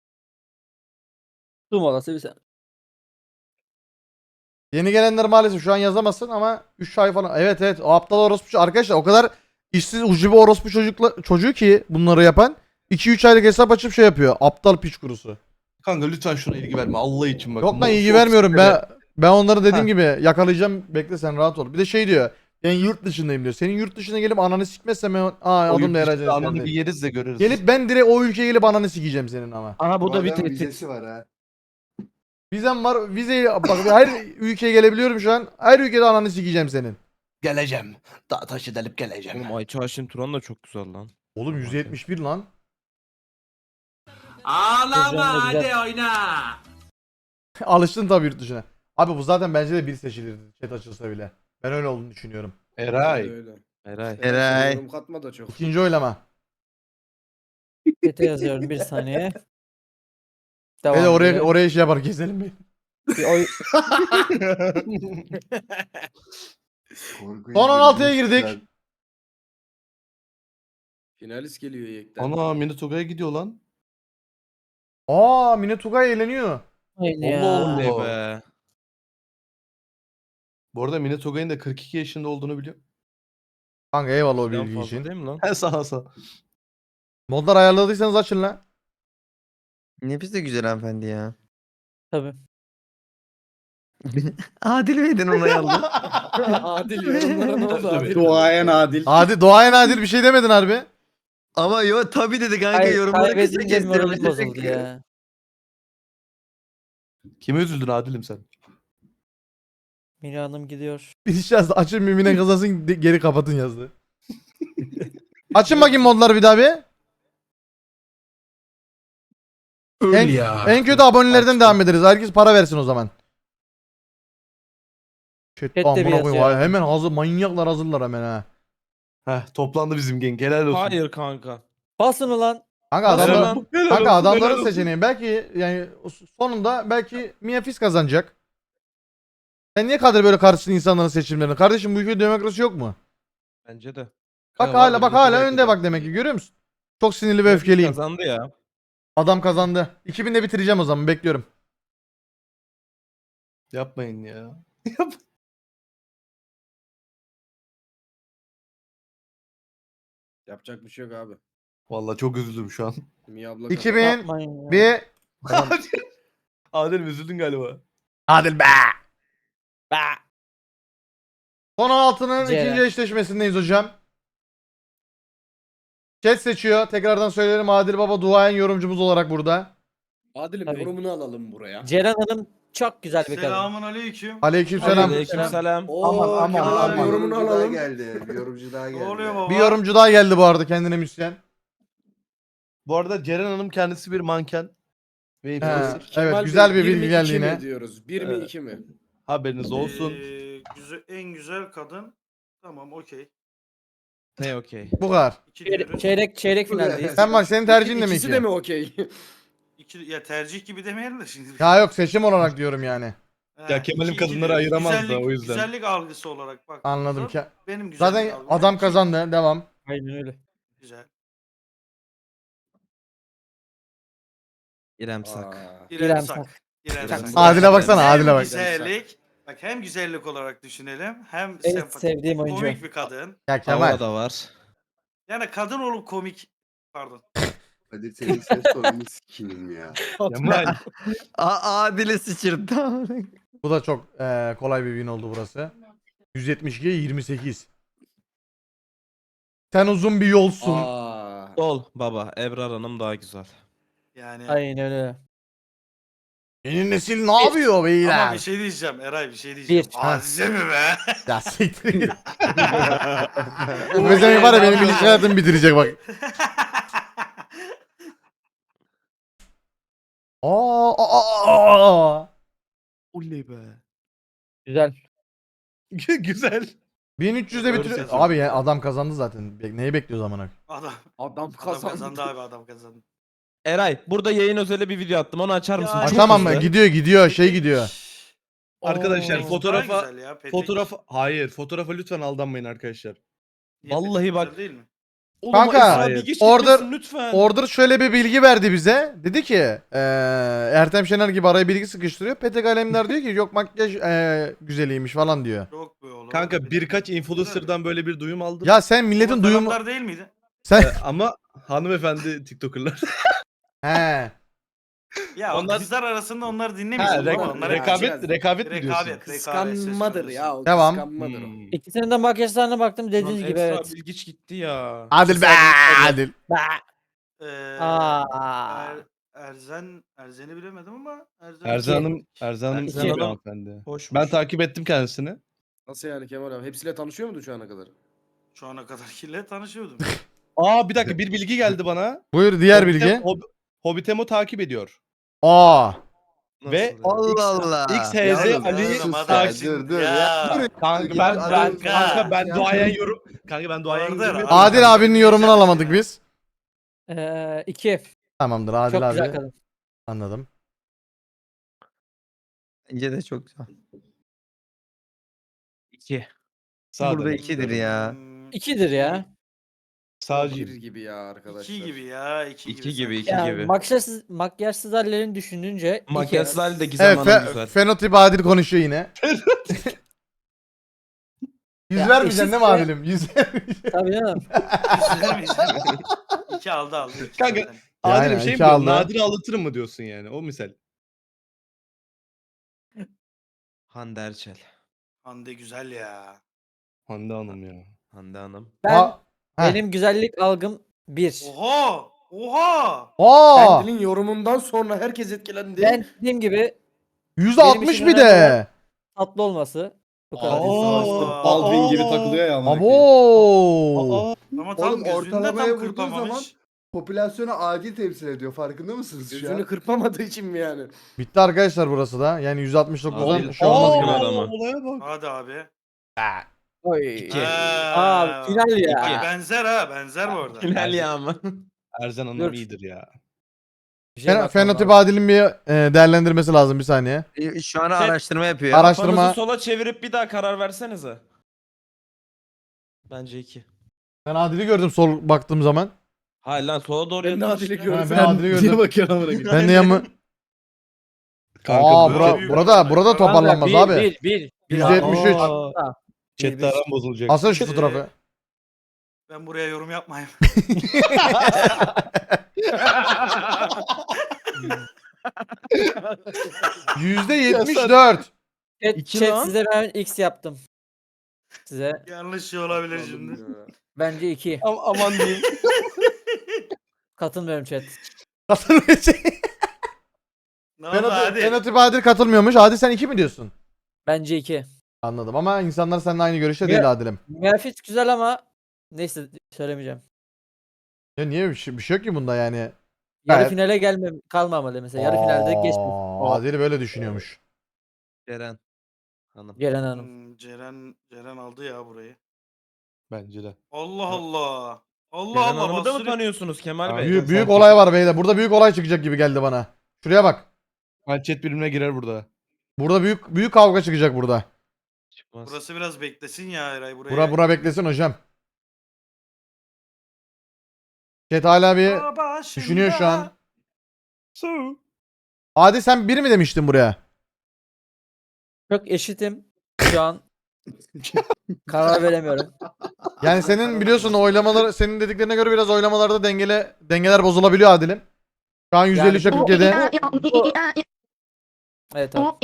Speaker 4: Su molası bir sen.
Speaker 3: Yeni gelenler maalesef şu an yazamazsın ama üç ay falan. Evet evet o aptal orospu çocuğu. Arkadaşlar o kadar işsiz ucubu orospu çocukla, çocuğu ki bunları yapan iki üç aylık hesap açıp şey yapıyor. Aptal piç kurusu.
Speaker 6: Kanka lütfen şuna ilgi verme Allah için bak.
Speaker 3: Yok lan
Speaker 6: Bunlar
Speaker 3: ilgi
Speaker 6: çok
Speaker 3: vermiyorum.
Speaker 6: sinirli.
Speaker 3: Ben ben onları dediğim
Speaker 6: Ha.
Speaker 3: gibi yakalayacağım. Bekle sen rahat ol. Bir de şey diyor. Ben yurt dışındayım diyor. Senin yurt dışına gelip ananı sikmezsem ben aa
Speaker 6: O
Speaker 3: adım
Speaker 6: yurt
Speaker 3: da
Speaker 6: dışında
Speaker 3: yarayacağız.
Speaker 6: ananı
Speaker 3: kendi.
Speaker 6: bir yeriz de görürüz.
Speaker 3: Gelip ben direkt o ülkeye gelip ananı sikeceğim senin ama.
Speaker 9: Aha bu da bir
Speaker 7: adamın
Speaker 9: tehdit.
Speaker 7: vizesi var ha.
Speaker 3: Vizem var. Vizeyi bak her ülkeye gelebiliyorum şu an. Her ülkede ananı sikeceğim senin.
Speaker 12: Geleceğim. Dağ taşı delip geleceğim.
Speaker 1: Oğlum Ayça Haşim Turan da çok güzel lan.
Speaker 3: Oğlum yüz yetmiş bir lan.
Speaker 4: Ağlama hadi
Speaker 11: oyna.
Speaker 3: Alıştın tabii yurt dışına. Abi bu zaten bence de bir seçilirdi chat açılsa bile. Ben öyle olduğunu düşünüyorum.
Speaker 6: Eray.
Speaker 5: Öyle öyle.
Speaker 1: Eray.
Speaker 9: Eray.
Speaker 5: Yorum katma da çok.
Speaker 3: İkinci oylama.
Speaker 4: Chat'e yazıyorum bir saniye. Devam
Speaker 3: Hele oraya
Speaker 4: edelim.
Speaker 3: oraya şey yapar keselim bir.
Speaker 4: Bir oy-
Speaker 7: Korkunç
Speaker 3: Son on altıya
Speaker 7: bir
Speaker 3: girdik.
Speaker 7: güzel.
Speaker 5: Finalist geliyor yekten.
Speaker 6: Ana Minatoga'ya gidiyor lan.
Speaker 3: Aa Mine Tugay eğleniyor.
Speaker 4: Aynı ya.
Speaker 6: Allah
Speaker 1: Ne
Speaker 6: Allah.
Speaker 1: be.
Speaker 6: Bu arada Minatoga'nın da kırk iki yaşında olduğunu biliyor.
Speaker 3: Kanka eyvallah o
Speaker 1: Bizden
Speaker 3: bilgi
Speaker 1: fazla
Speaker 3: için.
Speaker 1: değil mi lan?
Speaker 6: He sağ sağ.
Speaker 3: Modlar ayarladıysanız açın lan.
Speaker 9: Nefis de güzel hanımefendi ya.
Speaker 4: Tabii.
Speaker 9: Adil miydin onay aldın?
Speaker 5: Adil yorumlara ne oldu
Speaker 6: Tabii.
Speaker 5: Adil?
Speaker 8: Duayen adil.
Speaker 3: Adi Doğayan Adil bir şey demedin harbi.
Speaker 9: Ama yo tabii dedi kanka
Speaker 4: Kay-
Speaker 9: yorumları kısa
Speaker 4: Kaybedince moralim
Speaker 9: kestirmiş.
Speaker 4: bozuldu ya.
Speaker 6: Kime üzüldün Adil'im sen?
Speaker 4: Mine Hanım gidiyor.
Speaker 3: Bir iş yazdı. Açın mimine kazasın de- geri kapatın yazdı. Açın bakayım modları bir daha bir. En, en kötü abonelerden
Speaker 6: Açtım.
Speaker 3: devam ederiz. Herkes para versin o zaman. Chat,
Speaker 4: Chat de bir
Speaker 3: amına koyayım.
Speaker 4: yazıyor.
Speaker 3: Hemen hazır manyaklar hazırlar hemen ha.
Speaker 6: Heh toplandı bizim gang. Helal olsun.
Speaker 1: Hayır kanka.
Speaker 4: Basın ulan.
Speaker 3: Kanka
Speaker 1: Helal
Speaker 3: adamlar,
Speaker 1: lan.
Speaker 6: Helal
Speaker 3: kanka
Speaker 6: olsun,
Speaker 3: adamların
Speaker 6: helal olsun.
Speaker 3: seçeneği belki yani sonunda belki Mia Fis kazanacak. Sen niye kadar böyle karşısın insanların seçimlerini? Kardeşim bu ülkede demokrasi yok mu?
Speaker 1: Bence de.
Speaker 3: Bak
Speaker 6: Ya
Speaker 3: hala
Speaker 6: vardır,
Speaker 3: bak
Speaker 6: bir
Speaker 3: hala
Speaker 6: de
Speaker 3: önde
Speaker 6: belki
Speaker 3: bak
Speaker 6: de.
Speaker 3: demek ki görüyor musun? Çok sinirli ve öfkeliyim.
Speaker 1: Kazandı ya.
Speaker 3: Adam kazandı. iki binde bitireceğim o zaman bekliyorum.
Speaker 6: Yapmayın ya.
Speaker 5: Yapacak bir şey yok abi.
Speaker 6: Vallahi çok üzüldüm şu an.
Speaker 5: Mia abla
Speaker 3: iki bin
Speaker 4: Yapmayın ya.
Speaker 3: bir
Speaker 6: Adil'im üzüldün galiba.
Speaker 3: Adil be. Son on altının
Speaker 4: Ceren.
Speaker 3: ikinci eşleşmesindeyiz hocam. Chat seçiyor. Tekrardan söyleyelim Adil Baba duayen yorumcumuz olarak burada.
Speaker 5: Adil'im
Speaker 4: Tabii.
Speaker 5: yorumunu alalım buraya.
Speaker 4: Ceren Hanım çok güzel bir kadın.
Speaker 11: aleyküm.
Speaker 3: Aleykümselam.
Speaker 1: Aleykümselam.
Speaker 5: Oo,
Speaker 2: Aman, aman,
Speaker 5: Kemal abi
Speaker 2: aman.
Speaker 5: yorumunu
Speaker 7: Yorumcu daha
Speaker 5: alalım.
Speaker 7: geldi. Bir yorumcu daha geldi.
Speaker 3: Bir yorumcu daha geldi bu arada kendine müsyen.
Speaker 6: Bu arada Ceren Hanım kendisi bir manken. Ve
Speaker 3: He,
Speaker 6: influencer.
Speaker 5: Kemal
Speaker 3: evet
Speaker 5: Bey,
Speaker 3: güzel bir
Speaker 5: bir mi,
Speaker 3: bilgi
Speaker 5: iki
Speaker 3: geldi
Speaker 5: mi
Speaker 3: yine.
Speaker 5: diyoruz? Bir mi
Speaker 6: Evet.
Speaker 5: iki mi?
Speaker 6: Haberiniz olsun.
Speaker 11: güzel, en güzel kadın. Tamam okey.
Speaker 1: Ne okey.
Speaker 3: Bu kadar.
Speaker 11: İki
Speaker 4: Çeyrek,
Speaker 11: diyoruz.
Speaker 4: çeyrek, çeyrek finaldeyiz.
Speaker 3: Sen bak senin tercihin de mi
Speaker 5: İkisi
Speaker 3: iki?
Speaker 5: de mi okey?
Speaker 11: İki, ya tercih gibi demeyelim de şimdi.
Speaker 3: Ya yok seçim olarak diyorum yani.
Speaker 11: Ha,
Speaker 6: Ya Kemal'im
Speaker 11: iki- iki
Speaker 6: kadınları
Speaker 11: diyoruz.
Speaker 6: ayıramaz da
Speaker 11: Güzellik-
Speaker 6: o yüzden.
Speaker 11: Güzellik algısı olarak bak.
Speaker 3: Anladım ki.
Speaker 11: Benim güzellik
Speaker 3: Zaten
Speaker 11: algım
Speaker 3: adam
Speaker 11: iki.
Speaker 3: kazandı. Devam.
Speaker 4: Aynen öyle.
Speaker 11: Güzel.
Speaker 1: İrem Sak.
Speaker 5: Aa,
Speaker 11: İrem
Speaker 4: İrem
Speaker 11: Sak.
Speaker 4: Sak.
Speaker 11: İrem
Speaker 1: Sak.
Speaker 11: Sak.
Speaker 3: Adile baksana
Speaker 11: Hem
Speaker 3: Adile bak.
Speaker 11: güzellik. Bak hem güzellik olarak düşünelim hem
Speaker 4: En
Speaker 11: sempatik.
Speaker 4: sevdiğim oyuncu.
Speaker 11: Komik bir kadın.
Speaker 3: Ya Kemal.
Speaker 1: Hava da var.
Speaker 11: Yani kadın olup komik. Pardon.
Speaker 7: Hadi senin ses tonunu sikeyim ya.
Speaker 6: Kemal.
Speaker 9: A Adil'i sıçırdı.
Speaker 3: Bu da çok eee, kolay bir win oldu burası. yüz yetmiş ikiye yirmi sekiz. Sen uzun bir yolsun.
Speaker 5: Aa.
Speaker 1: Sol baba. Ebrar Hanım daha güzel.
Speaker 11: Yani
Speaker 4: Aynen öyle.
Speaker 3: Yeni nesil ne yapıyor
Speaker 11: ama
Speaker 3: beyler?
Speaker 11: bir şey diyeceğim Eray bir şey diyeceğim.
Speaker 4: Bir.
Speaker 11: Azize mi be?
Speaker 3: Ya siktir git. Bu bezemek var ya benim ilişki hayatımı bitirecek bak. Aa, aa, aa, aa.
Speaker 1: Oley be.
Speaker 4: Güzel.
Speaker 6: Güzel.
Speaker 3: bin üç yüzde bitiriyor. Abi ya adam kazandı zaten. Be- Neyi bekliyoruz amına?
Speaker 5: Adam, adam kazandı.
Speaker 12: abi adam kazandı.
Speaker 1: Eray burada yayın özeli bir video attım. Onu açar mısın?
Speaker 12: Ya,
Speaker 3: Ha,
Speaker 1: Çok
Speaker 3: tamam mı?
Speaker 1: hızlı.
Speaker 3: Gidiyor gidiyor şey gidiyor.
Speaker 6: Arkadaşlar
Speaker 1: Oo.
Speaker 6: fotoğrafa
Speaker 12: Daha güzel ya, Petek.
Speaker 6: fotoğrafa hayır fotoğrafa lütfen aldanmayın arkadaşlar.
Speaker 12: Niye
Speaker 1: Vallahi
Speaker 12: Petek
Speaker 1: bak.
Speaker 12: güzel değil mi?
Speaker 1: Oğlum
Speaker 3: Kanka,
Speaker 1: Esra
Speaker 6: hayır.
Speaker 1: Bilgiç
Speaker 3: Order-
Speaker 1: gitmesin lütfen.
Speaker 3: Order şöyle bir bilgi verdi bize. Dedi ki eee Ertem Şener gibi araya bilgi sıkıştırıyor. Petek Alemdar diyor ki yok makyaj eee, güzeliymiş falan diyor.
Speaker 12: Yok be oğlum.
Speaker 6: Kanka
Speaker 12: Petek
Speaker 6: birkaç
Speaker 12: güzel.
Speaker 6: influencer'dan böyle bir duyum aldım.
Speaker 3: Ya sen milletin
Speaker 12: Ama
Speaker 3: duyumu...
Speaker 12: taraftar değil miydi?
Speaker 3: Sen...
Speaker 6: Ee, ama hanımefendi TikToker'lar.
Speaker 3: He.
Speaker 12: Ya
Speaker 6: Onlar-
Speaker 12: onlar... kızlar arasında onları
Speaker 6: ha,
Speaker 12: dinlemiyorsun
Speaker 6: rek-
Speaker 12: ama onlara
Speaker 6: rekabet rekabet mi diyorsun?
Speaker 12: rekabet,
Speaker 5: Kıskanmadır ya. O
Speaker 3: Devam.
Speaker 5: Kıskanmadır o.
Speaker 6: Hmm.
Speaker 4: İkisinin de makyajlarına baktım dediğiniz
Speaker 1: Lan
Speaker 4: gibi
Speaker 1: Esra
Speaker 4: evet.
Speaker 1: Bilgiç gitti ya.
Speaker 3: Adil be Adil.
Speaker 12: Ee,
Speaker 4: Aa.
Speaker 12: Er, Erzen, Erzen'i bilemedim ama Erzen.
Speaker 6: Erzan Hanım, Erzan Hanım
Speaker 1: Erzan
Speaker 6: iyi bir
Speaker 1: Hanım
Speaker 6: hanımefendi.
Speaker 1: hoşmuş.
Speaker 6: Ben takip ettim kendisini.
Speaker 5: Nasıl yani Kemal abi? Hepsiyle tanışıyor muydun şu ana kadar?
Speaker 12: Şu ana kadar kirle tanışıyordum.
Speaker 6: Aa bir dakika bir bilgi geldi bana.
Speaker 3: Buyur diğer
Speaker 6: Hobbit-
Speaker 3: bilgi.
Speaker 6: Hob- Hobbitemo takip ediyor.
Speaker 3: Aa.
Speaker 1: Nasıl
Speaker 6: Ve
Speaker 1: ya?
Speaker 9: Allah Allah.
Speaker 6: X H Z
Speaker 12: Yalnız,
Speaker 6: Ali
Speaker 12: oğlum, adam
Speaker 6: takip.
Speaker 12: şimdi-
Speaker 7: dur,
Speaker 12: ya.
Speaker 6: Kanka ben ben
Speaker 12: Kanka.
Speaker 6: kanka ben
Speaker 7: Ya.
Speaker 6: duayen yorum. Kanka ben duayen
Speaker 12: Orada
Speaker 6: yorum.
Speaker 12: abi.
Speaker 3: Adil abinin yorumunu alamadık biz.
Speaker 4: Ee, iki.
Speaker 3: Tamamdır Adil
Speaker 4: Çok güzel
Speaker 3: abi.
Speaker 4: kadın.
Speaker 3: Anladım.
Speaker 9: Bence de çok güzel.
Speaker 1: İki.
Speaker 6: Sağ
Speaker 9: Burada
Speaker 6: demek.
Speaker 9: ikidir ya.
Speaker 12: Hmm,
Speaker 4: İkidir ya.
Speaker 5: Bir
Speaker 6: Sağcıyım.
Speaker 5: gibi ya arkadaşlar.
Speaker 12: İki gibi ya. iki,
Speaker 1: İki gibi,
Speaker 12: sanki.
Speaker 1: iki
Speaker 4: Ya
Speaker 1: gibi.
Speaker 4: makyajsız, makyajsız hallerini düşününce iki.
Speaker 1: Makyajsız hali de Gizem
Speaker 3: Evet
Speaker 1: Hanım
Speaker 3: fe-
Speaker 1: güzel.
Speaker 3: fenotip Adil konuşuyor yine. Yüz
Speaker 4: Ya
Speaker 3: vermeyeceksin değil mi
Speaker 4: eşitse-
Speaker 3: Adil'im? Yüz vermeyeceksin.
Speaker 4: Tabii canım.
Speaker 12: İzledin mi, izledin mi? İki aldı aldı. iki
Speaker 6: Kanka,
Speaker 12: zaten.
Speaker 3: Ya
Speaker 6: Adil'im
Speaker 3: aynen,
Speaker 6: şey mi
Speaker 3: iki
Speaker 6: diyorsun?
Speaker 3: aldı.
Speaker 6: Nadir aldatırım mı diyorsun yani? O misal.
Speaker 1: Hande Erçel.
Speaker 12: Hande güzel ya.
Speaker 6: Hande Hanım ya.
Speaker 1: Hande Hanım.
Speaker 4: Ben
Speaker 3: Aa. Heh.
Speaker 4: benim güzellik algım bir.
Speaker 12: Oha! Oha!
Speaker 3: Aa.
Speaker 5: Kendinin yorumundan sonra herkes etkilendi.
Speaker 4: Ben dediğim gibi
Speaker 3: yüzde altmış
Speaker 4: için
Speaker 3: bir
Speaker 4: önemli
Speaker 3: de.
Speaker 4: tatlı olması. Bu kadar.
Speaker 5: Adil savaşta
Speaker 12: Aa.
Speaker 5: Baldwin gibi takılıyor ya. amına koyayım.
Speaker 3: Abo.
Speaker 12: Ama tam
Speaker 7: Oğlum,
Speaker 12: gözünde
Speaker 7: ortalamaya
Speaker 12: tam
Speaker 7: vurduğu
Speaker 12: kırpamamış.
Speaker 7: zaman popülasyonu adil temsil ediyor. Farkında mısınız şu
Speaker 5: Gözünü
Speaker 7: an?
Speaker 5: kırpamadığı için mi yani?
Speaker 3: Bitti arkadaşlar burası da. Yani yüz altmış dokuzdan
Speaker 1: Adil-
Speaker 3: şey olmaz
Speaker 1: Aa.
Speaker 3: gibi.
Speaker 1: adamı.
Speaker 6: Olaya bak.
Speaker 12: Hadi abi.
Speaker 4: Oy.
Speaker 1: İki.
Speaker 4: Aa, final ya.
Speaker 12: Bak, benzer ha benzer bu arada.
Speaker 1: Hilal ya ama.
Speaker 6: Erzan Hanım
Speaker 4: Dur.
Speaker 6: iyidir ya.
Speaker 4: Bir şeye
Speaker 3: Fen-
Speaker 4: bakmam
Speaker 3: Fenotip
Speaker 4: lazım.
Speaker 3: Adil'in bir e, değerlendirmesi lazım bir saniye.
Speaker 9: E, Şu an
Speaker 1: Şey-
Speaker 9: araştırma yapıyor.
Speaker 3: Ara- Araştırma-
Speaker 1: Kafanızı sola çevirip bir daha karar versenize. Bence iki.
Speaker 3: Ben Adil'i gördüm sol baktığım zaman.
Speaker 1: Hayır lan sola doğru
Speaker 5: Ben de
Speaker 1: yatmış
Speaker 5: Adil'i
Speaker 1: ya.
Speaker 5: gördüm.
Speaker 3: ben Adil'i gördüm.
Speaker 5: Niye bakıyorsun amına koyayım?
Speaker 3: Ben de yanımı...
Speaker 6: Kanka
Speaker 3: Aa
Speaker 6: bu
Speaker 3: bura,
Speaker 12: büyük
Speaker 3: burada
Speaker 12: olay.
Speaker 3: burada
Speaker 12: Tamam,
Speaker 3: toparlanmaz
Speaker 4: bir,
Speaker 3: abi.
Speaker 4: Bir, bir, bir.
Speaker 3: yüzde yetmiş üç.
Speaker 4: Aa.
Speaker 6: chatte aram bozulacak.
Speaker 3: Asıl şu fotoğrafı.
Speaker 12: Ben buraya yorum yapmayayım.
Speaker 3: yüzde yetmiş dört.
Speaker 4: Chat,
Speaker 1: İki
Speaker 4: chat
Speaker 1: lan.
Speaker 4: size ben X yaptım. Size
Speaker 12: Yanlış şey olabilir şimdi.
Speaker 4: bence iki.
Speaker 6: Am- aman diyeyim.
Speaker 4: Katılmıyorum chat.
Speaker 3: Katılmıyor.
Speaker 12: Ne oldu
Speaker 3: Fenotip,
Speaker 12: hadi?
Speaker 3: Fenotip Adil katılmıyormuş. Adil sen iki mi diyorsun?
Speaker 4: Bence iki.
Speaker 3: Anladım ama insanlar seninle aynı görüşte
Speaker 4: Ya-
Speaker 3: değil Adil'im.
Speaker 4: Grafik güzel ama neyse söylemeyeceğim.
Speaker 3: Ya niye bir şey, bir şey yok ki bunda yani.
Speaker 4: Yarı
Speaker 3: Evet.
Speaker 4: finale gelme kalmamalı mesela. Yarı finalde geçmiş.
Speaker 3: Aa, Adil böyle düşünüyormuş.
Speaker 9: Ceren Hanım.
Speaker 4: Ceren Hanım.
Speaker 12: Hmm, Ceren Ceren aldı ya burayı.
Speaker 6: Bence de.
Speaker 12: Allah Allah. Allah
Speaker 1: Ceren
Speaker 12: Allah.
Speaker 1: Hanım'ı da mı
Speaker 12: bastırıyor.
Speaker 1: tanıyorsunuz Kemal
Speaker 6: Abi,
Speaker 1: Bey?
Speaker 3: Büyük,
Speaker 6: sen
Speaker 3: büyük
Speaker 6: kesin-
Speaker 3: olay var beyler. Burada büyük olay çıkacak gibi geldi bana. Şuraya bak.
Speaker 6: Ben chat birimine girer burada.
Speaker 3: Burada büyük büyük kavga çıkacak burada.
Speaker 1: Çıkmaz.
Speaker 12: Burası biraz beklesin ya Eray buraya.
Speaker 3: Bura bura beklesin hocam. Chat hala bir
Speaker 12: Baba
Speaker 3: düşünüyor şu an.
Speaker 6: So.
Speaker 3: Adil sen biri mi demiştin buraya?
Speaker 4: Çok eşitim şu an. Karar veremiyorum.
Speaker 3: Yani senin biliyorsun oylamalar senin dediklerine göre biraz oylamalarda dengele dengeler bozulabiliyor Adil'im. Şu an yüzde elli üçe kırk yedi.
Speaker 4: Evet abi.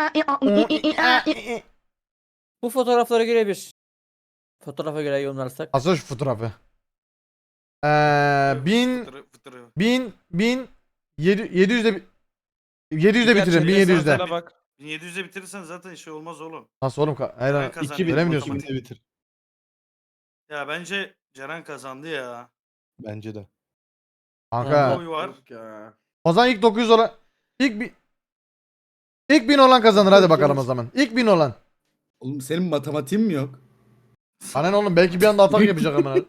Speaker 4: Bu fotoğraflara göre bir. Fotoğrafa göre yorumlarsak.
Speaker 3: Asıl şu fotoğrafı. Ee, bin
Speaker 12: Fıtırı, fıtırı.
Speaker 3: bin bin yedi yedi yüzde yedi yüzde bitirin bin yedi yüzde.
Speaker 1: Bak.
Speaker 12: bin yedi yüze bitirirsen zaten şey olmaz oğlum.
Speaker 3: Nasıl oğlum? Ka- Hayır,
Speaker 12: Ceren
Speaker 3: hayır.
Speaker 12: kazandı.
Speaker 6: iki bin
Speaker 3: Öyle mi diyorsun?
Speaker 6: bitir bitir.
Speaker 12: Ya bence Ceren kazandı ya.
Speaker 6: Bence de.
Speaker 3: Kanka.
Speaker 12: Oy var.
Speaker 5: Yok ya.
Speaker 3: O zaman ilk dokuz yüz olan İlk bin İlk bin olan kazanır hadi bakalım o zaman. İlk bin olan.
Speaker 8: Oğlum senin matematiğin mi yok?
Speaker 3: Annen oğlum belki bir anda atak yapacak hemen.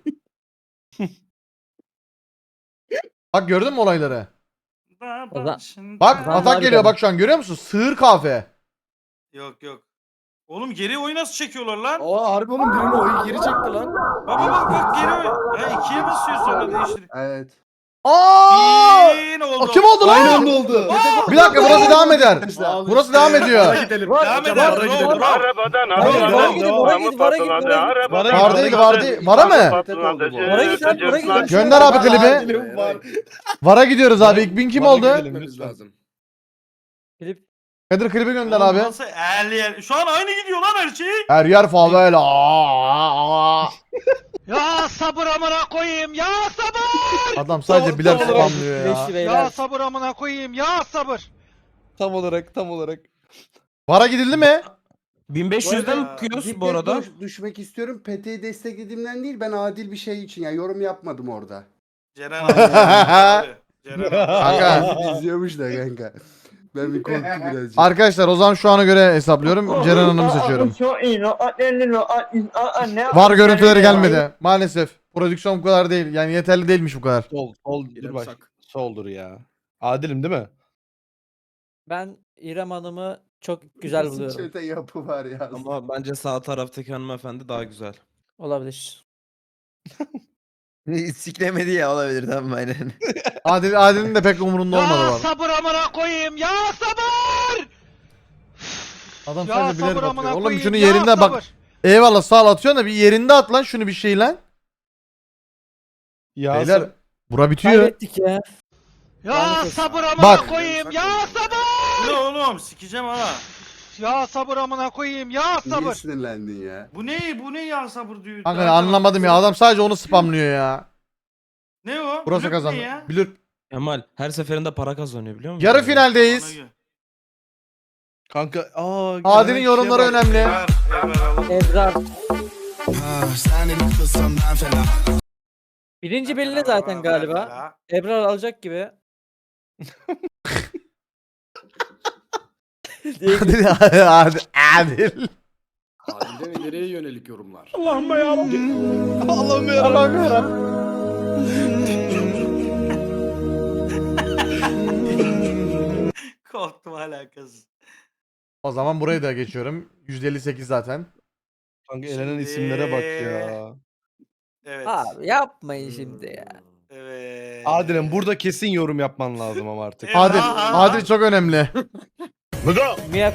Speaker 3: Bak gördün mü olayları?
Speaker 4: O zaman-
Speaker 3: Bak
Speaker 4: Tamam
Speaker 3: atak
Speaker 4: abi,
Speaker 3: geliyor
Speaker 4: tamam.
Speaker 3: bak şu an görüyor musun? Sığır kahve.
Speaker 12: Yok yok. Oğlum geri oyu nasıl çekiyorlar lan?
Speaker 5: Aa harbi oğlum birini oyu geri çekti lan.
Speaker 12: Bak bak bak bak geri oy. Ha ikiye basıyor sonra değiştir.
Speaker 7: Evet.
Speaker 3: Aa!
Speaker 12: Bin oldu.
Speaker 3: Kim oldu
Speaker 8: Aynı
Speaker 3: lan?
Speaker 8: anda oldu.
Speaker 3: Bir dakika burası devam eder.
Speaker 5: Al
Speaker 3: Burası
Speaker 5: işte.
Speaker 3: devam ediyor.
Speaker 5: Vara gidelim.
Speaker 12: Devam
Speaker 5: Hocam,
Speaker 12: eder.
Speaker 5: vara
Speaker 12: Bravo,
Speaker 5: gidelim.
Speaker 12: bravo.
Speaker 4: Vara git, vara git, vara git, vara git, vara git.
Speaker 1: Vara git.
Speaker 3: Var değil var değil. Vara mı?
Speaker 4: Vara git lan, vara git.
Speaker 3: Gönder abi klibi.
Speaker 5: Acilim var.
Speaker 3: Vara gidiyoruz abi. İlk bin kim
Speaker 1: Vara
Speaker 3: oldu?
Speaker 1: gidelim.
Speaker 5: Gitmemiz lazım.
Speaker 4: Klip.
Speaker 3: Kadir klibi gönder
Speaker 12: Oğlum
Speaker 3: abi.
Speaker 12: nasıl eğer Şu an aynı gidiyor lan her şey.
Speaker 3: Her yer favela. Aa, aa.
Speaker 9: Ya sabır amına koyayım ya sabır.
Speaker 3: Adam sadece bilen spamlıyor ya.
Speaker 4: Beşli beyler.
Speaker 9: sabır amına koyayım ya sabır.
Speaker 1: Tam olarak tam olarak.
Speaker 3: Vara gidildi mi?
Speaker 1: bin beş yüzden mi
Speaker 12: arada
Speaker 1: kıyıyoruz
Speaker 7: Cidden
Speaker 1: bu arada?
Speaker 7: düş- düşmek istiyorum. P T'yi desteklediğimden değil, ben adil bir şey için yani yorum yapmadım orada.
Speaker 12: Ceren abi. Ceren abi.
Speaker 3: Kanka.
Speaker 7: İzliyormuş da kanka. Ben bir korktum birazcık.
Speaker 3: Arkadaşlar o zaman şu ana göre hesaplıyorum. Ceren Hanım'ı seçiyorum. Var görüntüleri gelmedi. Maalesef. Prodüksiyon bu kadar değil. Yani yeterli değilmiş bu kadar.
Speaker 1: Sol, sol, dur
Speaker 5: İrem
Speaker 1: bak.
Speaker 5: Sak.
Speaker 1: Soldur ya. Adilim değil mi?
Speaker 4: Ben İrem Hanım'ı çok güzel buluyorum.
Speaker 7: Çete yapı var ya.
Speaker 1: Ama bence sağ taraftaki hanımefendi daha güzel.
Speaker 4: Olabilir.
Speaker 9: Siklemedi ya olabilir tamam aynen.
Speaker 3: Adil, Adil'in de pek umurunda olmadı var.
Speaker 9: sabır amına koyayım ya sabır.
Speaker 3: Adam
Speaker 9: Ya
Speaker 3: sadece bilerek
Speaker 9: sabır amına
Speaker 3: atıyor. Oğlum
Speaker 9: koyayım
Speaker 3: şunu
Speaker 9: ya
Speaker 3: yerinde bak.
Speaker 9: sabır.
Speaker 3: Eyvallah sağ ol atıyorsun da bir yerinde at lan şunu bir şey lan.
Speaker 1: Ya
Speaker 3: Beyler bura bitiyor.
Speaker 4: Kaybettik ya.
Speaker 9: Ya
Speaker 4: Maalesef.
Speaker 9: sabır amına
Speaker 3: Bak.
Speaker 9: koyayım ya sabır.
Speaker 12: Bu ne oğlum? Sikeceğim ha.
Speaker 9: Ya sabır amına koyayım ya
Speaker 7: Niye
Speaker 9: sabır.
Speaker 7: sinirlendin ya?
Speaker 12: Bu ne? Bu ne ya sabır diyor.
Speaker 3: Kanka
Speaker 12: Daha
Speaker 3: anlamadım ya adam sadece onu spamlıyor ya.
Speaker 12: Ne o?
Speaker 3: Burası
Speaker 12: Blok
Speaker 3: kazandı.
Speaker 12: ne ya?
Speaker 3: Bilir.
Speaker 1: Kemal her seferinde para kazanıyor biliyor musun?
Speaker 3: Yarı
Speaker 12: Ona
Speaker 3: finaldeyiz.
Speaker 12: göre.
Speaker 1: Kanka aa.
Speaker 3: Adil'in
Speaker 1: gelen
Speaker 3: yorumları
Speaker 1: kişiye bak.
Speaker 3: önemli.
Speaker 12: Ver, Evren alın.
Speaker 4: Ebrar. Birinci belli zaten galiba. Ebrar alacak gibi. Diye
Speaker 3: Adil, Adil, Adil.
Speaker 5: Adil'den ileriye yönelik yorumlar.
Speaker 1: Allah'ım yarabbim. Allah'ım yarabbim.
Speaker 3: Allah'ım yarabbim.
Speaker 12: Korktum alakasız.
Speaker 3: O zaman burayı da geçiyorum. yüzde elli sekiz zaten.
Speaker 1: Kanka elenen isimlere bak ya.
Speaker 12: Evet.
Speaker 4: Abi yapmayın şimdi ya.
Speaker 12: Evet.
Speaker 1: Adil'im burada kesin yorum yapman lazım ama artık.
Speaker 12: Evet.
Speaker 3: Adil,
Speaker 12: Aha.
Speaker 3: Adil çok önemli.
Speaker 4: Miyap.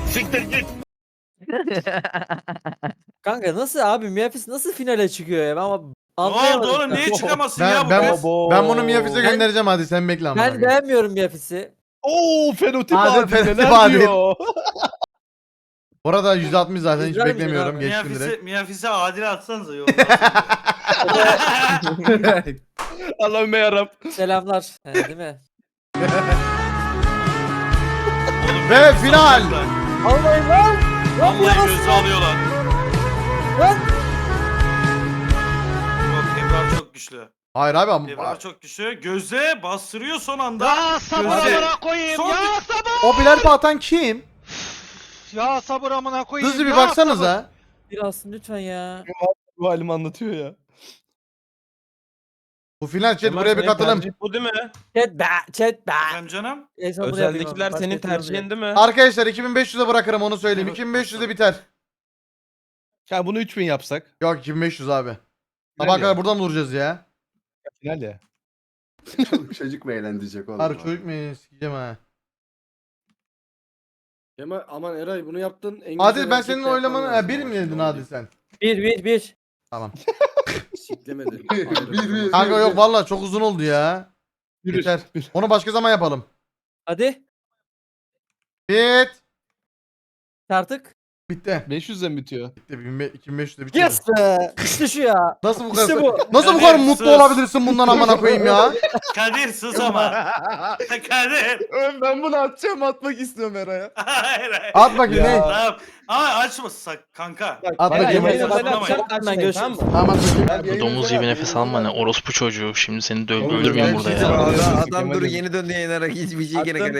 Speaker 4: Kanka nasıl abi Miyafis nasıl finale çıkıyor ya? Ben ama
Speaker 12: Ne oldu
Speaker 4: anlayamadım.
Speaker 12: oğlum? Niye çıkamasın
Speaker 3: Ben
Speaker 12: ya bu
Speaker 3: ben
Speaker 12: kız?
Speaker 3: ben bunu Miyafis'e göndereceğim hadi sen bekle ama.
Speaker 4: Ben beğenmiyorum Miyafis'i.
Speaker 1: Oo fenotip
Speaker 3: Adil,
Speaker 1: Adil,
Speaker 3: fenotip
Speaker 1: neler
Speaker 3: Adil.
Speaker 1: diyor?
Speaker 3: Bu arada yüzde altmış zaten hiç
Speaker 4: Güzel misin
Speaker 3: beklemiyorum.
Speaker 4: abi?
Speaker 3: Geçtim direkt.
Speaker 12: Miyafis'e, Miyafis'e adil atsanıza yolda.
Speaker 1: Allah'ım yarabbim.
Speaker 4: Selamlar. He, değil mi?
Speaker 3: Ve final.
Speaker 4: Allah'ım lan.
Speaker 12: Vallahi gözü alıyorlar.
Speaker 4: Lan.
Speaker 12: Yok Ebrar çok güçlü.
Speaker 3: Hayır abi ama
Speaker 12: Ebrar çok güçlü. Göze bastırıyor son anda.
Speaker 9: Ya sabır
Speaker 12: Göze.
Speaker 9: amına koyayım
Speaker 12: Son
Speaker 9: ya
Speaker 12: bir-
Speaker 9: sabır.
Speaker 3: o birer atan kim?
Speaker 9: Ya sabır amına koyayım
Speaker 3: Hızlı bir
Speaker 9: ya
Speaker 3: baksanıza.
Speaker 4: Biraz lütfen ya.
Speaker 1: Bu halimi anlatıyor ya.
Speaker 3: Bu final chat
Speaker 1: Kemal,
Speaker 3: buraya bir
Speaker 1: senin
Speaker 3: katılım.
Speaker 1: tercihin bu değil mi?
Speaker 4: Chat be, chat be.
Speaker 12: Efendim canım?
Speaker 4: En son bunu yapayım
Speaker 1: Özellikler
Speaker 4: ama.
Speaker 1: senin
Speaker 4: Başka
Speaker 1: tercihin değil mi?
Speaker 3: Arkadaşlar iki bin beş yüze bırakırım onu söyleyeyim. iki bin beş yüze biter.
Speaker 1: Ya bunu üç bin yapsak.
Speaker 3: Yok iki bin beş yüz abi.
Speaker 1: Final
Speaker 3: Sabah
Speaker 1: ya.
Speaker 3: kadar buradan mı duracağız ya?
Speaker 1: Final ya.
Speaker 7: Çoluk çocuk mu eğlendirecek oğlum?
Speaker 3: Harbi çocuk mu? Sikeceğim ha.
Speaker 5: Kemal aman Eray bunu yaptın. En
Speaker 3: Adil
Speaker 5: güzel
Speaker 3: ben
Speaker 5: hareket
Speaker 3: senin
Speaker 5: yapman
Speaker 3: oylamanı...
Speaker 5: lazım
Speaker 3: Ha, bir
Speaker 5: ama
Speaker 3: mi
Speaker 5: şimdi
Speaker 3: dedin
Speaker 5: onu
Speaker 3: Adil
Speaker 5: değil.
Speaker 3: sen?
Speaker 4: Bir bir bir.
Speaker 3: Tamam.
Speaker 5: Siklemedi.
Speaker 7: Bir, bir.
Speaker 3: Kanka yok vallahi çok uzun oldu ya.
Speaker 1: Bir,
Speaker 3: Yeter.
Speaker 1: bir.
Speaker 3: Onu başka zaman yapalım.
Speaker 4: Hadi.
Speaker 3: Bit.
Speaker 4: Artık.
Speaker 3: Bitti.
Speaker 1: beş yüzden bitiyor.
Speaker 3: Bitti. iki bin beş yüzde bitti.
Speaker 4: Yes be. İşte şu ya.
Speaker 3: Nasıl bu kadar
Speaker 4: İşte bu.
Speaker 3: Nasıl bu
Speaker 12: Kadir,
Speaker 3: kadar mutlu
Speaker 12: sus.
Speaker 3: olabilirsin bundan amına koyayım ya?
Speaker 12: Kadir sus ama. Kadir.
Speaker 1: Ben bunu atacağım atmak istiyorum Eray'a.
Speaker 12: Hayır hayır.
Speaker 3: At bakayım ne?
Speaker 12: Tamam. Ama açmasak kanka.
Speaker 3: At
Speaker 4: Bana
Speaker 3: bakayım.
Speaker 4: yemeğe
Speaker 12: Bak-
Speaker 4: bakacağım. Hemen görüşürüz.
Speaker 3: Tamam at bakayım.
Speaker 9: Domuz gibi nefes alma ne orospu çocuğu. Şimdi seni
Speaker 1: Oğlum,
Speaker 9: öldürmeyeyim
Speaker 1: ben
Speaker 9: burada
Speaker 1: şey
Speaker 9: ya.
Speaker 1: sana-
Speaker 9: Adam,
Speaker 1: adam dur, yeni
Speaker 9: döndü yayınlara hiçbir
Speaker 1: şey gene